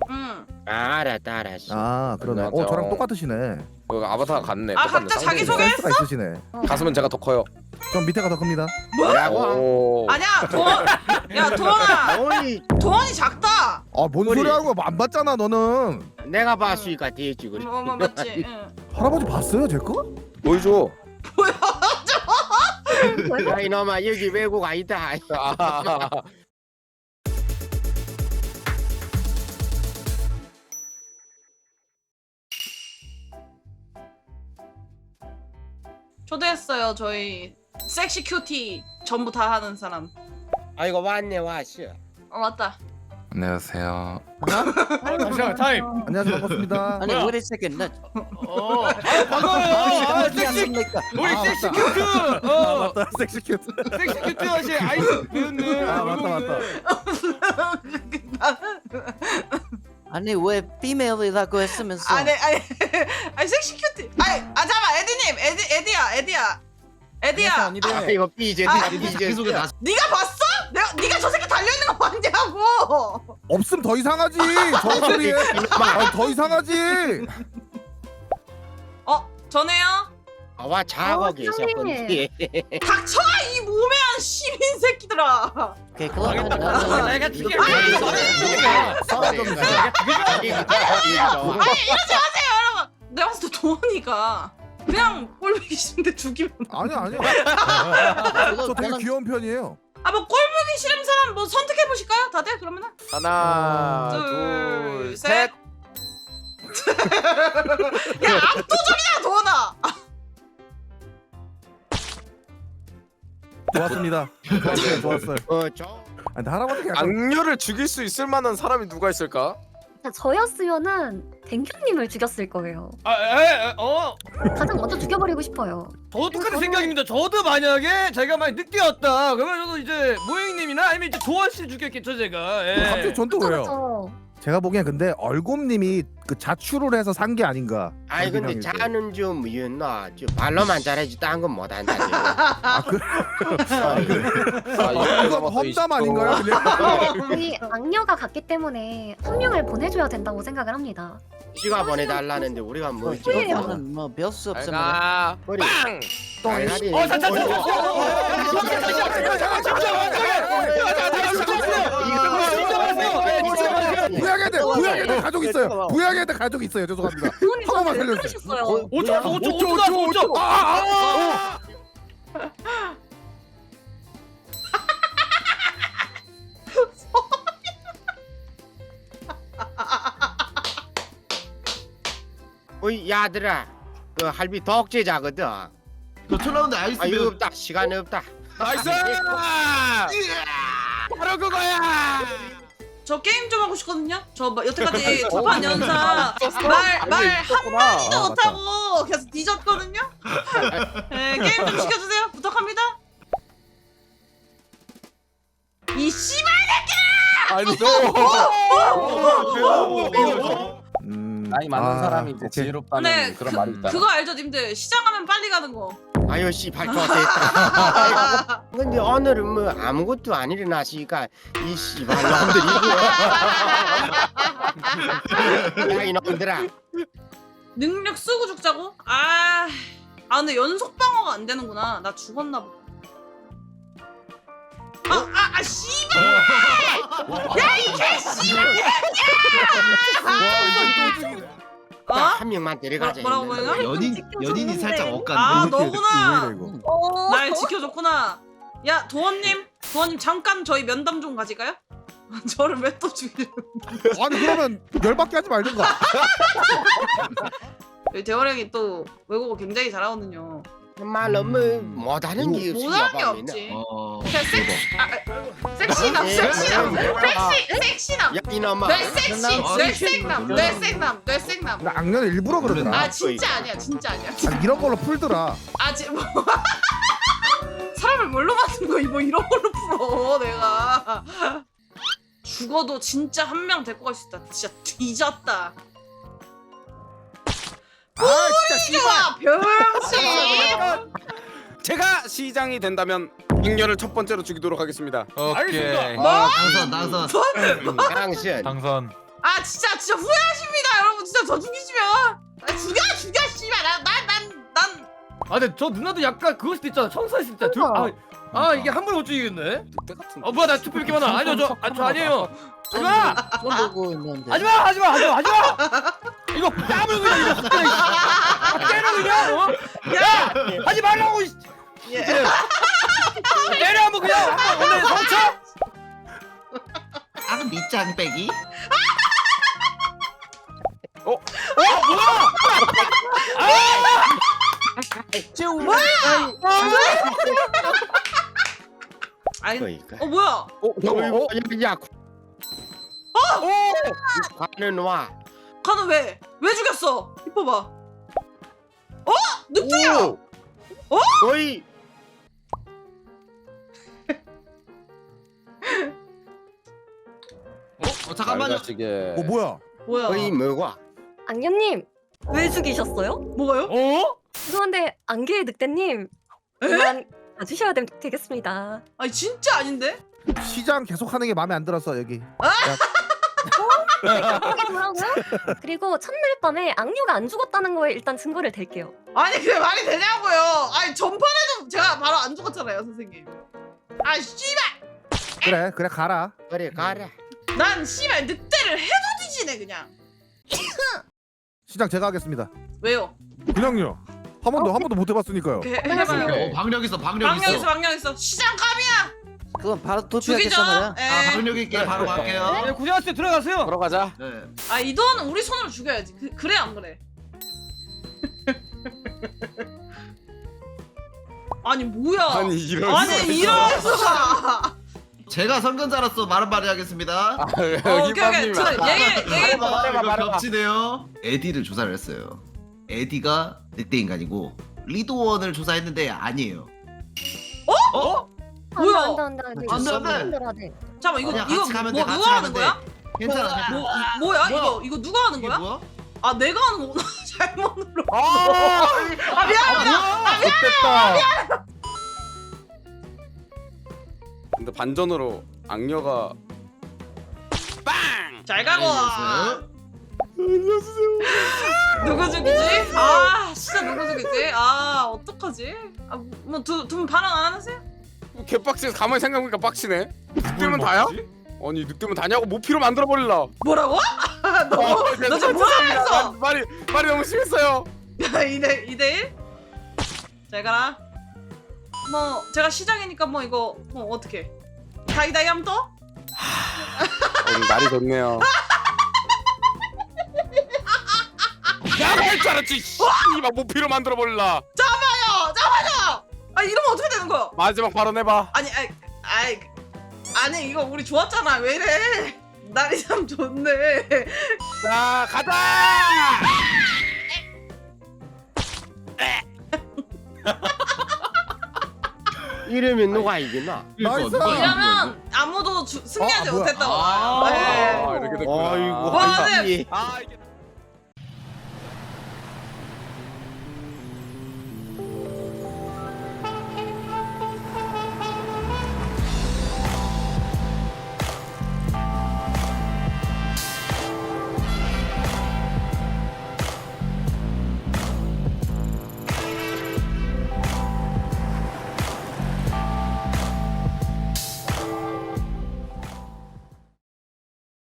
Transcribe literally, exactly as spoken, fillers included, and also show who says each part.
Speaker 1: 응.
Speaker 2: 아, 알았다 알았어.
Speaker 3: 아 그러네.
Speaker 4: 나한테,
Speaker 3: 어 저랑
Speaker 4: 어.
Speaker 3: 똑같으시네.
Speaker 4: 그 아바타 같네.
Speaker 1: 아,
Speaker 4: 똑같네,
Speaker 1: 각자
Speaker 4: 쌍둥이.
Speaker 1: 자기 소개?
Speaker 3: 센스가 있으시네.
Speaker 4: 가슴은 제가 더 커요.
Speaker 3: 전 밑에가 더 큽니다.
Speaker 2: 뭐라고?
Speaker 4: 오.
Speaker 1: 아니야 도원. 야 도원아.
Speaker 2: 어이,
Speaker 1: 도원이 작다.
Speaker 3: 아뭔
Speaker 2: 우리-
Speaker 3: 소리 하는 거야? 안 봤잖아 너는.
Speaker 2: 내가 봤으니까 되지 그래.
Speaker 1: 뭐, 뭐 맞지. 응.
Speaker 3: 할아버지 봤어요 제 거?
Speaker 4: 보여줘.
Speaker 2: 야 이놈아 여기 외국 아니다.
Speaker 4: 아,
Speaker 1: 초대했어요 저희 섹시 큐티 전부 다 하는 사람.
Speaker 2: 아이고 왔네 왔어.
Speaker 1: 어 맞다.
Speaker 5: 안녕하세요.
Speaker 6: 잠시만 타임.
Speaker 3: 안녕하세요 반갑습니다.
Speaker 7: 아니
Speaker 6: 뭐야?
Speaker 7: 우리 세컨 나
Speaker 6: 어. 아, 반가워요. 아, 섹시 우리
Speaker 3: 아,
Speaker 6: 섹시
Speaker 3: 맞다.
Speaker 6: 큐트.
Speaker 3: 아
Speaker 6: 어.
Speaker 3: 맞다 섹시 큐트.
Speaker 6: 섹시 큐트 하시 아이스 배웠네.
Speaker 3: 아 맞다 맞다.
Speaker 7: 아니 왜 피메일이라고 했으면서
Speaker 1: 아니 아니 아니 섹시 큐티. 아니 아 잠깐 에디님 에디 에디야 에디야 에디야.
Speaker 2: 아 이거 삐제
Speaker 1: 아,
Speaker 2: 삐제.
Speaker 1: 네가 봤어? 내가 네가 저 새끼 달려 있는 거 봤냐고.
Speaker 3: 없음 더 이상하지. 저 소리에. 아니 더 이상하지.
Speaker 1: 어 전해요.
Speaker 2: 아와 자고 계셨군지.
Speaker 1: 닥쳐 이 몸에한 시민 새끼들아.
Speaker 7: 오케이 그러면
Speaker 6: 아,
Speaker 7: 나는
Speaker 6: 내가 죽여.
Speaker 1: 내가 봤을 때 도원이가 그냥 꼴보기 싫은데 죽이면.
Speaker 3: 아니야 아니야. 저 되게
Speaker 7: 저는
Speaker 3: 귀여운 편이에요.
Speaker 1: 아뭐 꼴보기 싫은 사람 뭐 선택해 보실까요? 다들 그러면은
Speaker 4: 하나,
Speaker 1: 둘,
Speaker 4: 둘,
Speaker 1: 셋.
Speaker 4: 셋.
Speaker 1: 야 압도적이야 도원아.
Speaker 3: 좋았습니다. 좋았어요 좋았어요.
Speaker 2: 어저
Speaker 3: 아, 근데 할아버지가 약간
Speaker 4: 악녀를 죽일 수 있을 만한 사람이 누가 있을까?
Speaker 8: 저였으면은 댕큐님을 죽였을 거예요.
Speaker 6: 아, 에, 에, 어.
Speaker 8: 가장 먼저 죽여버리고 싶어요.
Speaker 6: 저도 똑같은 생각입니다. 저도 만약에 제가 만약 늦게 왔다 그러면 저도 이제 모행님이나 아니면 이제 도원 씨 죽였겠죠 제가. 예.
Speaker 3: 갑자기 전 또 왜요?
Speaker 8: 그렇죠.
Speaker 3: 제가 보기엔 근데 얼곰님이 그 자출을 해서 산 게 아닌가.
Speaker 2: 아이 근데
Speaker 3: 얼굴 형이
Speaker 2: 자는 좀 뭐였나? 저 발로만 잘하지 딴 건 못한다.
Speaker 3: 아 그.
Speaker 4: 아,
Speaker 3: 이건 험담 아닌가요? 그냥?
Speaker 8: 우리 악녀가 갔기 때문에 한 명을 보내줘야 된다고 생각을 합니다.
Speaker 2: 지가 보내달라는데 우리가 뭐지?
Speaker 8: 왜요?
Speaker 7: 저는 뭐 별 수 없으면
Speaker 4: 아,
Speaker 2: 머리.
Speaker 4: 빵!
Speaker 2: 똥이.
Speaker 6: 어, 자, 자, 자, 자,
Speaker 3: 부양해야 돼. 부양해야 돼. 가족 있어요. 부양해야 돼. 가족 있어요. 죄송합니다.
Speaker 8: 부모님
Speaker 3: 한 번만
Speaker 8: 저한테 왜
Speaker 3: 살려주세요.
Speaker 8: 그러셨어요?
Speaker 6: 오 초, 오 초, 오 초, 오 초.
Speaker 3: 아, 아, 아.
Speaker 2: 어이 야들아, 그 할비 독재자거든.
Speaker 9: 저 툴라운드 아이스
Speaker 2: 아 이거
Speaker 9: 배우
Speaker 2: 없다. 시간 없다.
Speaker 4: 나이스! 바로 그거야!
Speaker 1: 저 게임 좀 하고 싶거든요. 저 뭐 여태까지 두 판 연사 말 말 한마디도
Speaker 3: 아,
Speaker 1: 못하고 계속 뒤졌거든요. 네, 게임 좀 시켜주세요. 부탁합니다. 이 씨발
Speaker 4: 아니,
Speaker 3: 음,
Speaker 5: 나이 많은
Speaker 3: 아,
Speaker 5: 사람이 이제
Speaker 3: 오케이.
Speaker 5: 지혜롭다는
Speaker 1: 네,
Speaker 5: 그런
Speaker 1: 그,
Speaker 5: 말이 있잖아.
Speaker 1: 그거 알죠, 님들? 시장하면 빨리 가는 거.
Speaker 2: 아유 씨발 좋았다. 근데 오늘은 뭐 아무것도 안 일어나시니까 이 씨발 놈들이. 야 이놈들아.
Speaker 1: 능력 쓰고 죽자고? 아, 아 근데 연속 방어가 안 되는구나. 나 죽었나 보다. 아, 아, 아, 씨발! 야, 이 개씨발! 어?
Speaker 2: 한 명만 데려가자.
Speaker 1: 뭐- 뭐라고
Speaker 2: 했는데.
Speaker 1: 뭐라고요?
Speaker 9: 연인
Speaker 8: 지켜줬는데.
Speaker 9: 연인이 살짝
Speaker 1: 아,
Speaker 9: 엇갔네.
Speaker 1: 너구나.
Speaker 3: 왜 이래, 이거?
Speaker 1: 날 지켜줬구나. 야, 도원님, 도원님 잠깐 저희 면담 좀 가질까요? 저를 왜 또 죽이려?
Speaker 3: 아니 그러면 열받게 하지 말든가.
Speaker 1: 저희 대원 형이 또 외국어 굉장히 잘하거든요.
Speaker 2: 정말로 뭐 못하는 게 없어.
Speaker 1: 못하는 게 없지.
Speaker 9: 어.
Speaker 1: 그냥 섹시, 아, 아, 섹시남, 섹시남, 섹시, 섹시남.
Speaker 2: 야 이놈아.
Speaker 1: 뇌 섹시, 뇌 생남, 뇌 생남, 뇌 생남.
Speaker 3: 나 악녀는 일부러 그러더라.
Speaker 1: 아 진짜 아니야, 진짜 아니야.
Speaker 3: 아, 이런 걸로 풀더라.
Speaker 1: 아 지 뭐. 사람을 뭘로 만든 거야? 뭐 이런 걸로 풀어 내가. 죽어도 진짜 한 명 데리고 갈 수 있다. 진짜 뒤졌다.
Speaker 3: 아 진짜 씨발.
Speaker 1: 좋아 병신.
Speaker 4: 제가 시장이 된다면 악녀를 첫 번째로 죽이도록 하겠습니다.
Speaker 6: 알겠습니다.
Speaker 1: 뭐?
Speaker 9: 당선 당선.
Speaker 2: 당신.
Speaker 5: 당선.
Speaker 1: 아 아 진짜 진짜 후회하십니다 여러분. 진짜 저 죽이시면 아, 죽여 죽여 씨발. 난난난
Speaker 6: 아 근데 저 누나도 약간 그거 수도 있잖아. 청소할 수 있잖아. 둘- 아, 아 이게 한 번에 못 죽이겠네.
Speaker 4: 늑대 같은.
Speaker 6: 어 뭐야 나 투표 이렇게 많아. 아니요 저, 아, 저 아니에요. 하지마!
Speaker 7: 손 들고 있는데.
Speaker 6: 하지마! 하지마! 하지마! 하지마! 이거 뺨을 그냥 이거 확 때려. 확 때려 그냥. 어? 야! 하지 말라고. 이-
Speaker 1: 예.
Speaker 6: 때려 한번 그냥 한번 오늘 성쳐.
Speaker 9: 아 밑장 빼기.
Speaker 6: 어 뭐야?
Speaker 1: 아니
Speaker 2: 그러니까.
Speaker 1: 어 뭐야?
Speaker 4: 어,
Speaker 2: 어,
Speaker 4: 잠깐만. 어,
Speaker 2: 야, 야, 가는 와.
Speaker 1: 가는 왜? 왜 죽였어? 이뻐봐. 어? 늑대야.
Speaker 4: 오!
Speaker 2: 어이,
Speaker 9: 어 잠깐만요.
Speaker 4: 자식에.
Speaker 3: 어 뭐야?
Speaker 1: 뭐야?
Speaker 2: 어이 뭐가?
Speaker 5: 악녀님 왜 죽이셨어요?
Speaker 1: 뭐가요?
Speaker 6: 어?
Speaker 5: 죄송한데 안개의 늑대님 그만 봐주셔야 되, 되겠습니다.
Speaker 1: 아니 진짜 아닌데?
Speaker 3: 시장 계속 하는 게 마음에 안 들었어 여기.
Speaker 5: 뭐라고요? 그리고 첫날 밤에 악녀가 안 죽었다는 거에 일단 증거를 댈게요.
Speaker 1: 아니 그게 말이 되냐고요? 아니 전판에도 제가 바로 안 죽었잖아요 선생님. 아 씨발.
Speaker 3: 그래 그래 가라.
Speaker 2: 그래 가라.
Speaker 1: 난 씨발 늑대를 해도 뒤지네 그냥.
Speaker 3: 시장 제가 하겠습니다.
Speaker 1: 왜요?
Speaker 3: 그냥요. 한 번도 한 번도 못 해봤으니까요.
Speaker 1: 해, 해봐요.
Speaker 9: 어 방력 있어 방력
Speaker 1: 방력 있어
Speaker 9: 있어.
Speaker 1: 방력 있어. 시장 감이야.
Speaker 7: 그건 바로
Speaker 1: 죽이죠.
Speaker 7: 투표하겠단 말이야.
Speaker 9: 아
Speaker 1: 예.
Speaker 9: 방력 있게 바로 갈게요.
Speaker 6: 네, 고생하셨어요. 들어가세요.
Speaker 4: 들어가자.
Speaker 9: 네.
Speaker 1: 아 이도는 우리 손으로 죽여야지. 그, 그래 안 그래? 아니 뭐야?
Speaker 4: 아니 이런.
Speaker 1: 아니 이럴 수가.
Speaker 9: 제가 선근자로서 말은 말해야겠습니다.
Speaker 1: 어, 오케이 오케이.
Speaker 4: 힙합님.
Speaker 1: 저 얘기 얘기.
Speaker 9: 말해봐, 이거 겹치네요. 에디를 조사를 했어요. 에디가 늑대 인간이고 리도원을 조사했는데 아니에요.
Speaker 6: 어?
Speaker 1: 뭐야?
Speaker 5: 안돼 안돼 안돼.
Speaker 9: 안 돼, 안 돼.
Speaker 5: 안돼.
Speaker 1: 잠깐만 이거
Speaker 9: 그냥
Speaker 1: 이거
Speaker 9: 같이 가면
Speaker 1: 뭐
Speaker 9: 돼, 같이
Speaker 1: 누가 하는
Speaker 9: 가면 돼.
Speaker 1: 거야?
Speaker 9: 괜찮아.
Speaker 1: 뭐
Speaker 9: 괜찮아.
Speaker 1: 이- 뭐야?
Speaker 9: 뭐야?
Speaker 1: 이거 이거 누가 하는
Speaker 9: 이게
Speaker 1: 거야?
Speaker 9: 뭐야?
Speaker 1: 아 내가 하는 거구나. 잘못 눌러.
Speaker 3: 아,
Speaker 1: 아 미안하다.
Speaker 3: 됐다.
Speaker 4: 근데 반전으로 악녀가 빵.
Speaker 1: 잘 가고.
Speaker 9: 네.
Speaker 1: 누구 죽이지? 아 진짜 누구 죽이지? 아 어떡하지? 아뭐두분 반응 안 하세요?
Speaker 4: 개빡치네. 가만히 생각해보니까 빡치네. 늑대면 다야? 아니 늑대면 다냐고 모피로 만들어 버릴라.
Speaker 1: 뭐라고? 너 너 지금 뭐라 했어?
Speaker 4: 말이 말이 너무 심했어요.
Speaker 1: 이대 이대 일? 잘 가라. 뭐 제가 시장이니까 뭐 이거 뭐 어떻게? 다이다이 하면 또?
Speaker 4: 오늘 날이 좋네요. 야가 할 줄 알았지. 씨발 모피로 만들어 버릴라.
Speaker 1: 잡아요, 잡아요. 아 이러면 어떻게 되는 거야?
Speaker 4: 마지막 발언 해봐.
Speaker 1: 아니, 아니, 아니, 아니 이거 우리 좋았잖아. 왜 이래? 날이 참 좋네.
Speaker 4: 자 가자.
Speaker 2: 이러면 누가 이기나?
Speaker 3: 나이스.
Speaker 9: 누가 이긴 거야,
Speaker 1: 이러면 아무도 주, 승리하지
Speaker 3: 아, 뭐야.
Speaker 1: 못했다고.
Speaker 9: 아,
Speaker 1: 네.
Speaker 4: 아 이렇게 됐구나.
Speaker 2: 아이고,
Speaker 1: 와,
Speaker 2: 아이고.
Speaker 4: 아 이게.